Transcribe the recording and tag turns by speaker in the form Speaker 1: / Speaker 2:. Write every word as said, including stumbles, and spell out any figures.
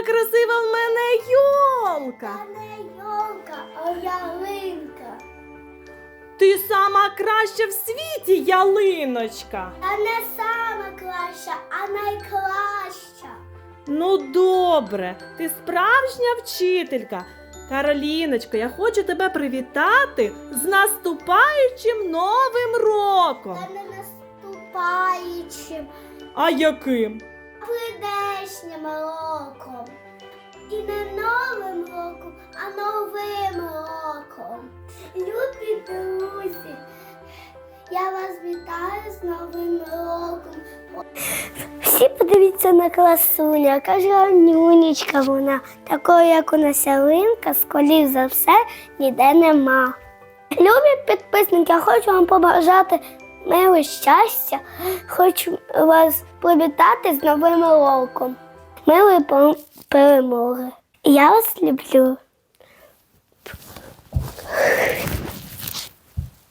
Speaker 1: яка красива в мене йолка!
Speaker 2: Та не йолка, а ялинка.
Speaker 1: Ти сама краща в світі, ялиночка!
Speaker 2: Та не сама краща, а найкраща.
Speaker 1: Ну добре, ти справжня вчителька. Кароліночко, я хочу тебе привітати з наступаючим Новим роком.
Speaker 2: Та не наступаючим,
Speaker 1: А яким?
Speaker 2: а прийдешнім роком. І не новим роком, а новим роком. Любі друзі, я вас вітаю з Новим роком. Всі подивіться на красуню, яка ж гарнюнечка вона. Такої, як у нас ялинка, скоріш за все, ніде нема. Любі підписники, я хочу вам побажати миру, щастя. Хочу вас привітати з Новим роком. Миру і перемоги. Я вас люблю.